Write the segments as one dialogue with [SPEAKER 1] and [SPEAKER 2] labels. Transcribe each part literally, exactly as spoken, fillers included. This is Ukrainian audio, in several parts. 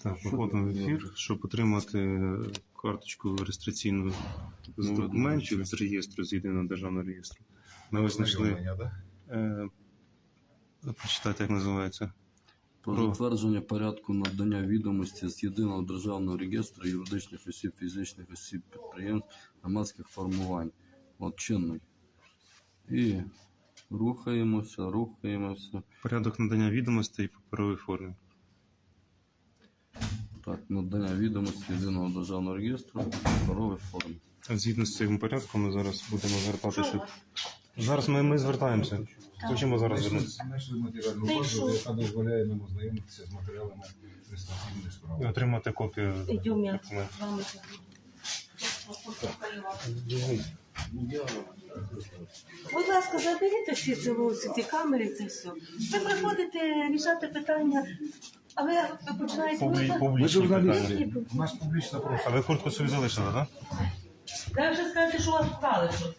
[SPEAKER 1] Так, виходимо в ефір, щоб отримати карточку реєстраційну з документів з реєстру, з єдиного державного реєстру. Ми ось знайшли, е, прочитайте, як називається.
[SPEAKER 2] Про затвердження порядку надання відомості з єдиного державного реєстру юридичних осіб, фізичних осіб, підприємств, громадських формувань. От чинний. І рухаємося, рухаємося.
[SPEAKER 1] Порядок надання відомостей в паперовій формі.
[SPEAKER 2] Так, надання відомості єдиного державного реєстру в паперовій формі.
[SPEAKER 1] Згідно з цим порядком ми зараз будемо звертатися. Зараз ми, ми звертаємося. Хочемо зараз звернутися.
[SPEAKER 3] Знайшли матеріальну базу, яка дозволяє нам ознайомитися з матеріалами реєстраційної
[SPEAKER 1] І
[SPEAKER 3] справи.
[SPEAKER 1] отримати копію
[SPEAKER 4] Идем, я
[SPEAKER 1] документів.
[SPEAKER 4] с вами. Будь ласка, заберіть всі ці вулиці, ці камери, це все. Ви приходите рішати питання, а ви починаєте...
[SPEAKER 1] Публі,
[SPEAKER 4] Ви-
[SPEAKER 1] публічні
[SPEAKER 3] журналісти.
[SPEAKER 1] питання.
[SPEAKER 3] У нас публічна
[SPEAKER 1] А
[SPEAKER 3] просто.
[SPEAKER 1] ви куртку собі залишили, так?
[SPEAKER 4] Ви вже скажете, що у вас вкрали щось.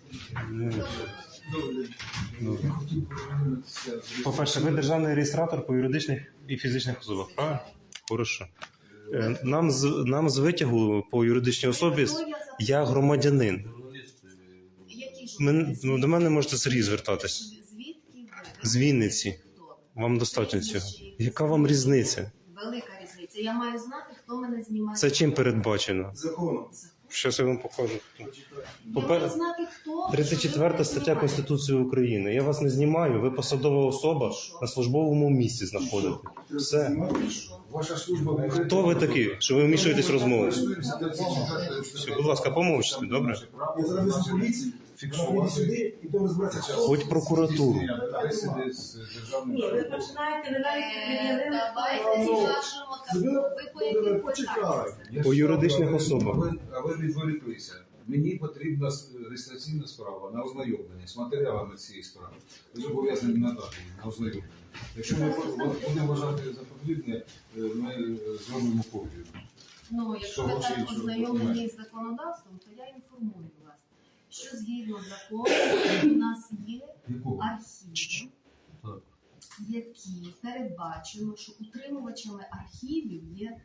[SPEAKER 1] По-перше, ви державний реєстратор по юридичних і фізичних особах, правильно? Хорошо. Е, Нам з, нам з витягу по юридичній особі я громадянин. Мен, ну, до мене можете Сергій звертатись.
[SPEAKER 5] Звідки ви?
[SPEAKER 1] З Вінниці. Вам достатньо цього. Яка вам різниця?
[SPEAKER 5] Велика різниця. Я маю знати, хто мене знімає.
[SPEAKER 1] Це чим передбачено?
[SPEAKER 3] Законом.
[SPEAKER 1] Щас я вам покажу.
[SPEAKER 5] Я
[SPEAKER 1] Попер-
[SPEAKER 5] маю знати, хто...
[SPEAKER 1] тридцять четверта стаття Конституції України. Я вас не знімаю, ви посадова особа на службовому місці знаходите. Все.
[SPEAKER 3] Ваша служба...
[SPEAKER 1] Хто ви такі, що ви вмішуєтесь в розмову?
[SPEAKER 3] Користуємося тридцять четвертою
[SPEAKER 1] Все, будь ласка, помовчте, добре?
[SPEAKER 3] Я зараз везу поліцію, фіксую сюди і то розбиратися.
[SPEAKER 1] Хоч прокуратуру.
[SPEAKER 3] Бесіди з державним...
[SPEAKER 4] Ні, ви починаєте, ви навіть
[SPEAKER 5] Е,
[SPEAKER 4] пред'явили...
[SPEAKER 5] Давайте скажемо так. Ви по яким
[SPEAKER 3] Почекай.
[SPEAKER 5] питанням?
[SPEAKER 1] По юридичних
[SPEAKER 3] А ви-
[SPEAKER 1] особах.
[SPEAKER 3] А ви, а ви відволіклися. Мені потрібна с- реєстраційна справа на ознайомлення з матеріалами цієї справи. Ви зобов'язані надати її на ознайомлення. Якщо ми будемо вважати за потрібне, е, ми зробимо копію.
[SPEAKER 5] Ну, якщо ви
[SPEAKER 3] Всього
[SPEAKER 5] так
[SPEAKER 3] іншого
[SPEAKER 5] ознайомлені
[SPEAKER 3] документу.
[SPEAKER 5] з законодавством, то я інформую вас, що згідно закону у нас є
[SPEAKER 3] Якого?
[SPEAKER 5] архіви,
[SPEAKER 2] Так.
[SPEAKER 5] які передбачено, що утримувачами архівів є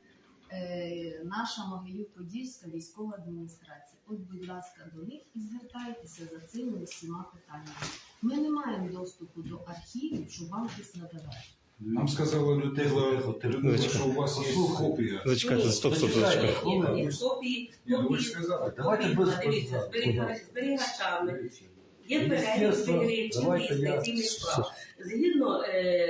[SPEAKER 5] е, наша Могилів-Подільська військова адміністрація. От, будь ласка, до них і звертайтеся за цими усіма питаннями. Ми не маємо доступу до архівів, щоб вам щось надавати.
[SPEAKER 3] Нам сказала Людмила, Людмила, що у вас є копія.
[SPEAKER 1] Зачекайте, стоп, стоп, зачекайте.
[SPEAKER 4] Ні, ні, копії,
[SPEAKER 3] Ні, ну ви
[SPEAKER 4] копії,
[SPEAKER 3] ж сказали.
[SPEAKER 2] Давайте
[SPEAKER 4] копії,
[SPEAKER 2] без
[SPEAKER 4] дивіться,
[SPEAKER 2] питань.
[SPEAKER 4] зберігач- зберігачами. Є перелік
[SPEAKER 2] Міністерство,
[SPEAKER 4] зберігачів
[SPEAKER 2] давайте я-
[SPEAKER 4] реєстраційних справ. Згідно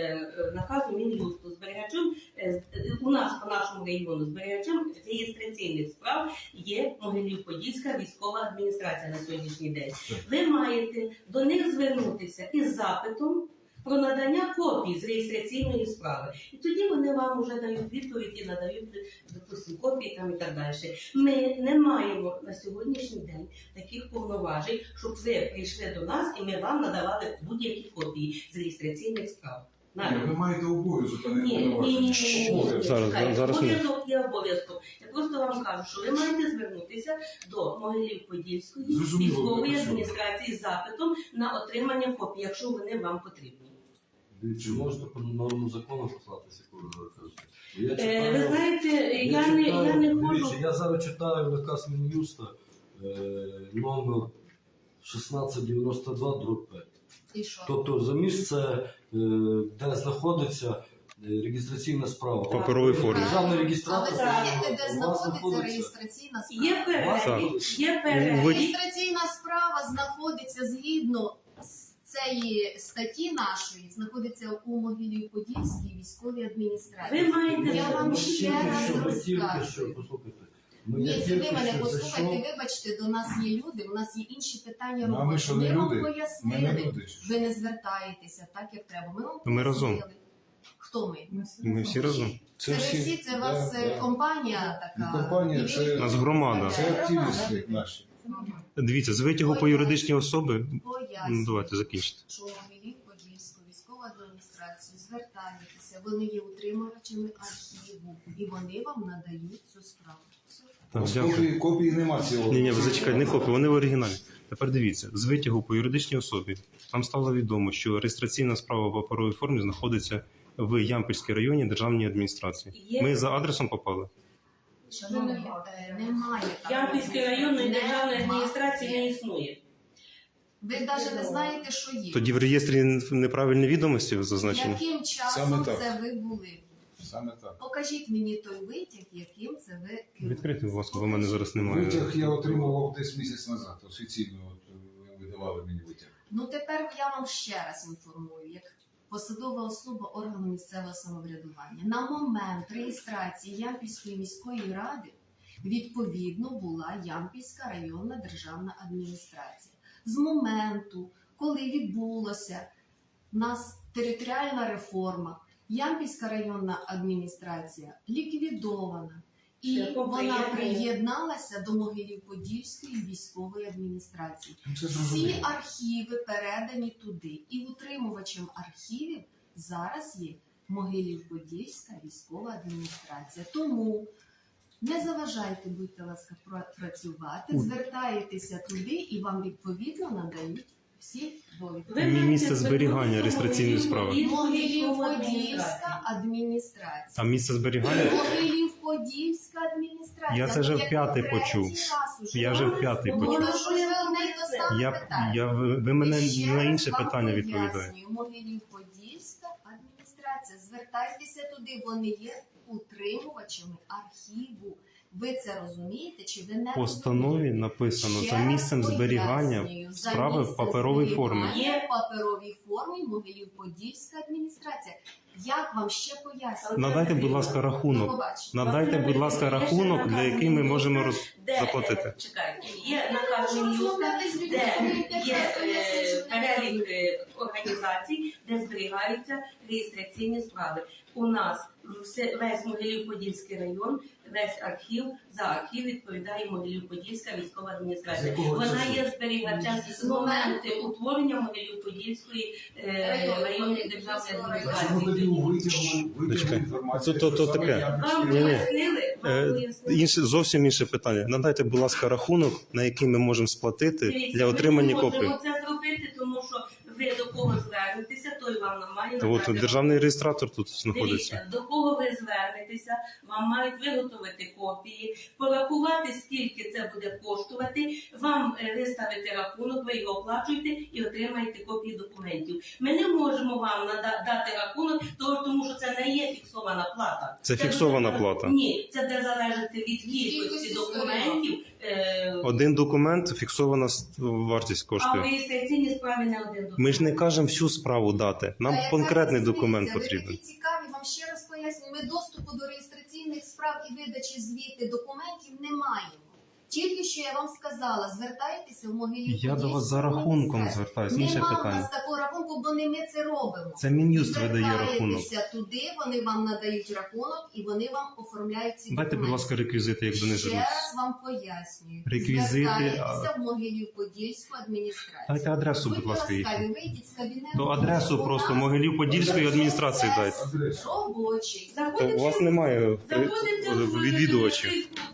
[SPEAKER 4] е, наказу Мін'юсту, зберігачем, е, у нас по нашому регіону зберігачем реєстраційних справ є Могилів-Подільська військова адміністрація на сьогоднішній день. Ви маєте до них звернутися із запитом про надання копій з реєстраційної справи. І тоді вони вам вже дають відповідь і надають, допустимо, копії там і так далі. Ми не маємо на сьогоднішній день таких повноважень, щоб ви прийшли до нас і ми вам надавали будь-які копії з реєстраційних справ.
[SPEAKER 3] Ні, ви маєте обов'язок, а не
[SPEAKER 4] Ні, ні, ні, ні, ні, ні, ні.
[SPEAKER 1] Зараз,
[SPEAKER 4] Чекайте,
[SPEAKER 1] зараз ні.
[SPEAKER 4] обов'язок є обов'язком. Я просто вам кажу, що ви маєте звернутися до Могилів-Подільської
[SPEAKER 3] Зрозуміло,
[SPEAKER 4] військової
[SPEAKER 3] хорошо.
[SPEAKER 4] адміністрації з запитом на отримання копій, якщо вони вам потрібні.
[SPEAKER 2] Чи можете по норму закону послатися, коли ви кажете? Я
[SPEAKER 4] Е, ви знаєте, я не, я не
[SPEAKER 2] дивіться,
[SPEAKER 4] можу.
[SPEAKER 2] я зараз читаю наказ Мін'юста е, номер шістнадцять дев'яносто два дроб п'ять.
[SPEAKER 5] І що?
[SPEAKER 2] Тобто за місце, е, де знаходиться е, реєстраційна справа.
[SPEAKER 1] В паперовій формі.
[SPEAKER 2] Державний
[SPEAKER 5] А ви
[SPEAKER 2] реєстратор.
[SPEAKER 5] знаєте,
[SPEAKER 2] у
[SPEAKER 5] де
[SPEAKER 2] вас
[SPEAKER 5] знаходиться реєстраційна справа?
[SPEAKER 4] Є перелік, є перелік.
[SPEAKER 5] Реєстраційна справа знаходиться згідно з цієї статті нашої, знаходиться у Могилів-Подільській військовій адміністрації.
[SPEAKER 4] Ви маєте
[SPEAKER 5] Я вам ще раз
[SPEAKER 2] Що, ви тільки
[SPEAKER 5] розкажу.
[SPEAKER 2] що, послухайте. Ну,
[SPEAKER 5] Ні,
[SPEAKER 2] я
[SPEAKER 5] це ви
[SPEAKER 2] тільки
[SPEAKER 5] мене
[SPEAKER 2] що
[SPEAKER 5] послухайте,
[SPEAKER 2] зайшов.
[SPEAKER 5] вибачте, до нас є люди, у нас є інші питання
[SPEAKER 3] Ну, а ми
[SPEAKER 5] роботи.
[SPEAKER 3] що, не
[SPEAKER 5] Ми вам
[SPEAKER 3] люди? Ми не
[SPEAKER 5] пояснили,
[SPEAKER 3] люди.
[SPEAKER 5] ви не звертаєтеся так, як треба. Ми вам
[SPEAKER 1] Ми разом.
[SPEAKER 5] пояснили. Хто ми?
[SPEAKER 1] Ми всі разом.
[SPEAKER 5] Це ви всі, це у вас
[SPEAKER 3] Да,
[SPEAKER 5] е,
[SPEAKER 3] да.
[SPEAKER 5] компанія
[SPEAKER 3] Не
[SPEAKER 5] така.
[SPEAKER 3] компанія,
[SPEAKER 5] І ви-
[SPEAKER 3] це-
[SPEAKER 1] Нас громада.
[SPEAKER 3] Це активісти наші.
[SPEAKER 5] Мгм.
[SPEAKER 1] Дивіться, з витягу по юридичній особи. Ну,
[SPEAKER 5] Пояснюю,
[SPEAKER 1] давайте закінчите.
[SPEAKER 5] що Могилів-Подільську військову адміністрацію звертаєтеся, вони є утримувачами архіву, і вони вам надають цю справу. Все.
[SPEAKER 1] Так,
[SPEAKER 3] Ось
[SPEAKER 1] дякую.
[SPEAKER 3] Копії, копії нема цього.
[SPEAKER 1] Ні, ні, ви зачекайте, не копії, вони в оригіналі. Тепер дивіться, з витягу по юридичній особі нам стало відомо, що реєстраційна справа в паперовій формі знаходиться в Ямпільській районній державній адміністрації.
[SPEAKER 4] Є.
[SPEAKER 1] Ми за адресом попали.
[SPEAKER 5] Шановні, е, немає такого.
[SPEAKER 4] Ямпільської районної державної
[SPEAKER 5] Немає.
[SPEAKER 4] адміністрації не існує.
[SPEAKER 5] Ви навіть не знаєте, що є.
[SPEAKER 1] Тоді в реєстрі неправильні відомості зазначені.
[SPEAKER 5] Яким часом
[SPEAKER 3] Саме так.
[SPEAKER 5] це ви були?
[SPEAKER 3] Саме так.
[SPEAKER 5] Покажіть мені той витяг, яким це ви керуєте.
[SPEAKER 1] Відкрийте, будь ласка, бо в мене зараз немає.
[SPEAKER 3] Витяг я отримував десь місяць назад. Офіційно от, ви видавали мені витяг.
[SPEAKER 5] Ну тепер я вам ще раз інформую, як посадова особа органу місцевого самоврядування. На момент реєстрації Ямпільської міської ради відповідно була Ямпільська районна державна адміністрація. З моменту, коли відбулася в нас територіальна реформа, Ямпільська районна адміністрація ліквідована. І
[SPEAKER 4] Шляхом
[SPEAKER 5] вона
[SPEAKER 4] приєднання.
[SPEAKER 5] приєдналася до Могилів-Подільської військової адміністрації.
[SPEAKER 3] Ну, це
[SPEAKER 5] Всі
[SPEAKER 3] зрозуміло.
[SPEAKER 5] архіви передані туди. І утримувачем архівів зараз є Могилів-Подільська військова адміністрація. Тому не заважайте, будьте ласка, пра- працювати, звертаєтеся туди і вам відповідно надають всі довідки.
[SPEAKER 4] Ви
[SPEAKER 1] Мі-
[SPEAKER 4] маєте
[SPEAKER 1] місце зберігання
[SPEAKER 4] звернутися
[SPEAKER 1] реєстраційної
[SPEAKER 4] до
[SPEAKER 1] справи.
[SPEAKER 5] Могилів-Подільська адміністрація.
[SPEAKER 1] А місце зберігання?
[SPEAKER 5] Могилів-Подільська адміністрація.
[SPEAKER 1] Я це вже
[SPEAKER 5] Ну, як
[SPEAKER 1] вп'ятий
[SPEAKER 5] третій
[SPEAKER 1] почув.
[SPEAKER 5] раз уже.
[SPEAKER 1] Я вже вп'ятий
[SPEAKER 4] Ну,
[SPEAKER 1] почув.
[SPEAKER 5] Ну, що ж ви одне й те саме
[SPEAKER 1] Я,
[SPEAKER 5] питаєте?
[SPEAKER 1] я, ви ви мене
[SPEAKER 5] Ще
[SPEAKER 1] на
[SPEAKER 5] раз
[SPEAKER 1] інше
[SPEAKER 5] вам
[SPEAKER 1] питання
[SPEAKER 5] пояснюю.
[SPEAKER 1] відповідаєте.
[SPEAKER 5] Могилів-Подільська адміністрація. Звертайтеся туди, вони є утримувачами архіву. Ви це розумієте чи ви не
[SPEAKER 1] В постанові написано
[SPEAKER 5] Ще
[SPEAKER 1] за
[SPEAKER 5] раз
[SPEAKER 1] місцем зберігання
[SPEAKER 5] пояснюю, за
[SPEAKER 1] справи в
[SPEAKER 5] місцем
[SPEAKER 1] паперовій формі.
[SPEAKER 5] зберігання в паперовій формі Могилів-Подільська адміністрація. Як вам ще пояснюю?
[SPEAKER 1] Надайте, будь ласка,
[SPEAKER 5] До
[SPEAKER 1] рахунок.
[SPEAKER 5] побачення.
[SPEAKER 1] Надайте, будь ласка, рахунок, для який ми можемо роз...
[SPEAKER 4] Де,
[SPEAKER 1] заплатити.
[SPEAKER 4] е, Чекайте, є наказ
[SPEAKER 5] Що
[SPEAKER 4] Мін'юста,
[SPEAKER 5] розмовляти з людьми,
[SPEAKER 4] де
[SPEAKER 5] коли п'ять
[SPEAKER 4] є
[SPEAKER 5] разів пояснюєш,
[SPEAKER 4] е,
[SPEAKER 5] що не
[SPEAKER 4] перелік
[SPEAKER 5] розумієш?
[SPEAKER 4] е, організацій, де зберігаються реєстраційні справи. У нас все, весь Могилів-Подільський район, весь архів, за архів відповідає Могилів-Подільська військова
[SPEAKER 3] З
[SPEAKER 4] адміністрація.
[SPEAKER 3] якого
[SPEAKER 4] Вона
[SPEAKER 3] часу?
[SPEAKER 4] є зберігачем з моменту утворення Могилів-Подільської е, районної державної
[SPEAKER 3] А чому тоді у
[SPEAKER 4] адміністрації.
[SPEAKER 3] витягу витягу
[SPEAKER 1] Чекай.
[SPEAKER 3] інформації?
[SPEAKER 1] То- то- то
[SPEAKER 3] що саме
[SPEAKER 1] таке.
[SPEAKER 3] Ямпільський
[SPEAKER 4] Вам
[SPEAKER 1] Ні-ні.
[SPEAKER 4] пояснили? Вам
[SPEAKER 1] Е,
[SPEAKER 4] пояснили?
[SPEAKER 1] інше, зовсім інше питання. Надайте, будь ласка, рахунок, на який ми можемо сплатити
[SPEAKER 4] Дивіться,
[SPEAKER 1] для
[SPEAKER 4] ми
[SPEAKER 1] отримання
[SPEAKER 4] не
[SPEAKER 1] копії.
[SPEAKER 4] можемо це зробити, тому що ви до кого звернетеся, той вам має
[SPEAKER 1] От
[SPEAKER 4] надати.
[SPEAKER 1] державний реєстратор тут знаходиться.
[SPEAKER 4] Дивіться, до кого ви звернетеся, вам мають виготовити копії, порахувати, скільки це буде коштувати, вам е, виставити рахунок, ви його оплачуєте і отримаєте копії документів. Ми не можемо вам нада- дати рахунок, того- тому що це не є фіксована плата.
[SPEAKER 1] Це фіксована
[SPEAKER 4] буде-
[SPEAKER 1] плата.
[SPEAKER 4] Ні, це буде залежати від кількості
[SPEAKER 5] Кількості
[SPEAKER 4] документів. е,
[SPEAKER 1] Один документ, фіксована с- вартість
[SPEAKER 4] А в
[SPEAKER 1] коштує.
[SPEAKER 4] реєстраційній справі не один документ.
[SPEAKER 1] Ми ж не кажемо всю справу дати. Нам
[SPEAKER 5] Та яка
[SPEAKER 1] конкретний
[SPEAKER 5] різниця?
[SPEAKER 1] документ
[SPEAKER 5] Ви
[SPEAKER 1] потрібен.
[SPEAKER 5] такі цікаві, вам ще раз поясню. Ми доступу до реєстраційних справ і видачі звіти документів не маємо. Тільки що я вам сказала, звертайтеся в Могилів.
[SPEAKER 1] Я до вас за рахунком звертаюсь. Інше
[SPEAKER 5] Нема у
[SPEAKER 1] питання.
[SPEAKER 5] нас такого рахунку, бо не ми це робимо.
[SPEAKER 1] Це Мін'юст видає рахунок.
[SPEAKER 5] Звертайтеся туди, вони вам надають рахунок і вони вам оформляють ці
[SPEAKER 1] Дайте,
[SPEAKER 5] документи.
[SPEAKER 1] будь ласка, реквізити, як до них
[SPEAKER 5] Ще
[SPEAKER 1] звернутися.
[SPEAKER 5] раз вам пояснюю.
[SPEAKER 1] Реквізити,
[SPEAKER 5] Звертайтеся
[SPEAKER 1] а-
[SPEAKER 5] в Могилів-Подільську адміністрацію.
[SPEAKER 1] Дайте адресу, будь
[SPEAKER 5] Будьте
[SPEAKER 1] ласка,
[SPEAKER 5] ласкаві,
[SPEAKER 1] їхню.
[SPEAKER 5] вийдіть з кабінету.
[SPEAKER 1] То адресу
[SPEAKER 5] У
[SPEAKER 1] просто
[SPEAKER 5] нас
[SPEAKER 1] Могилів-Подільської адміністрації дайте.
[SPEAKER 3] Адресу.
[SPEAKER 5] робочий.
[SPEAKER 1] То у вас немає е,
[SPEAKER 4] Заходите в-
[SPEAKER 1] відвідувачів.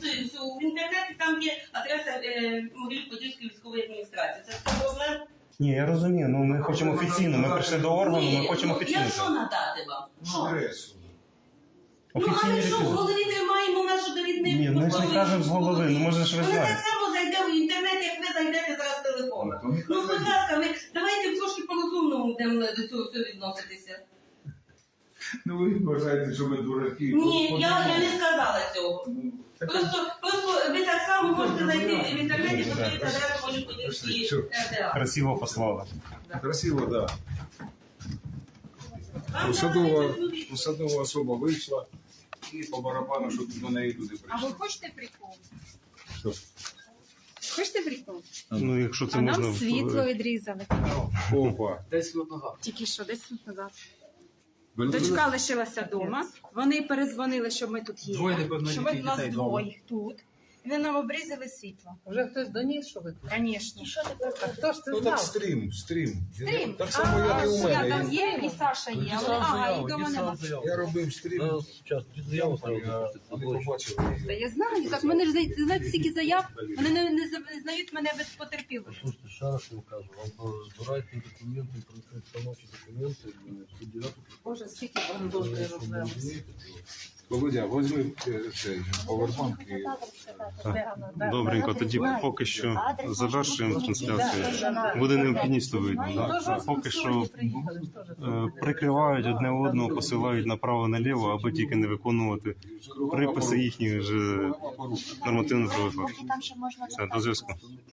[SPEAKER 4] в інтернеті, там є адреса е, Могилів-Подільської військової адміністрації. Це проблем.
[SPEAKER 1] Ні, я розумію, ну ми хочемо офіційно. Ми прийшли до органу, ми хочемо
[SPEAKER 4] ну,
[SPEAKER 1] офіційно.
[SPEAKER 4] Я що надати вам? Що?
[SPEAKER 3] Адресу.
[SPEAKER 4] Ну,
[SPEAKER 1] Офіційні
[SPEAKER 4] а ми що, в
[SPEAKER 1] реквізити.
[SPEAKER 4] голові тримаємо нашу довідник?
[SPEAKER 1] Ні, ми ж не кажемо з голови, ну може ж ви
[SPEAKER 4] Вона так
[SPEAKER 1] знаєте.
[SPEAKER 4] само зайде в інтернет, як ви зайдете зараз в телефон.
[SPEAKER 3] Ну, то не
[SPEAKER 4] Ну, будь ласка, ви давайте трошки по-розумному будемо до цього всього відноситися.
[SPEAKER 3] Ну ви вважаєте, що ми дураки.
[SPEAKER 4] Ні,
[SPEAKER 3] От
[SPEAKER 4] я, я не
[SPEAKER 3] подумайте.
[SPEAKER 4] сказала цього.
[SPEAKER 3] Ну, так,
[SPEAKER 4] Просто, просто ви так само можете зайти в інтернеті,
[SPEAKER 1] Так.
[SPEAKER 4] подивитися адресу Могилів-Подільської
[SPEAKER 3] Що?
[SPEAKER 4] РДА.
[SPEAKER 1] Красиво послали.
[SPEAKER 3] Красиво, так. Да.
[SPEAKER 4] Вам
[SPEAKER 3] Посадова,
[SPEAKER 4] треба люди.
[SPEAKER 3] посадова особа вийшла і по барабану, щоб до неї туди
[SPEAKER 6] А ви
[SPEAKER 3] прийшли.
[SPEAKER 6] хочете прикол?
[SPEAKER 3] Що?
[SPEAKER 6] Хочете прикол?
[SPEAKER 1] Ну, якщо це
[SPEAKER 6] А
[SPEAKER 1] можна
[SPEAKER 6] нам
[SPEAKER 1] в-
[SPEAKER 6] світло відрізали.
[SPEAKER 3] Опа.
[SPEAKER 6] Тільки що, десь минут назад. Дочка лишилася вдома. Вони перезвонили, що ми тут є.
[SPEAKER 7] Двоє неповнолітніх
[SPEAKER 6] Що ми, у нас
[SPEAKER 7] дітей
[SPEAKER 6] двоє тут. Вони нам обрізали світло.
[SPEAKER 7] Вже хтось доніс, що ви?
[SPEAKER 6] Звісно. А хто ж це
[SPEAKER 3] Ну так
[SPEAKER 6] знав?
[SPEAKER 3] стрім, стрім.
[SPEAKER 6] Стрім.
[SPEAKER 3] Так само, як і у
[SPEAKER 6] Я там
[SPEAKER 3] мене.
[SPEAKER 6] є, і Саша є, але ага, і дома нема.
[SPEAKER 3] Я робив стрім,
[SPEAKER 2] Зараз заяву
[SPEAKER 3] я не побачив.
[SPEAKER 6] Та я знаю, так мене ж знаєте, знаєте, стільки заяв, вони не, не, не знають мене без потерпілих.
[SPEAKER 2] Слушайте, ще раз вам кажу, вам збирайте документи, становчі документи, сто дев'яту.
[SPEAKER 7] Боже, скільки бандожної робили.
[SPEAKER 3] Володя, возьми е, цей повербанк і
[SPEAKER 1] Так. Добренько, тоді поки що завершуємо трансляцію. Буде необхідність, то вийде. Да? Поки що е, прикривають одне одного, посилають направо-наліво, аби тільки не виконувати приписи їхніх же нормативно-правових актів. Все, до зв'язку.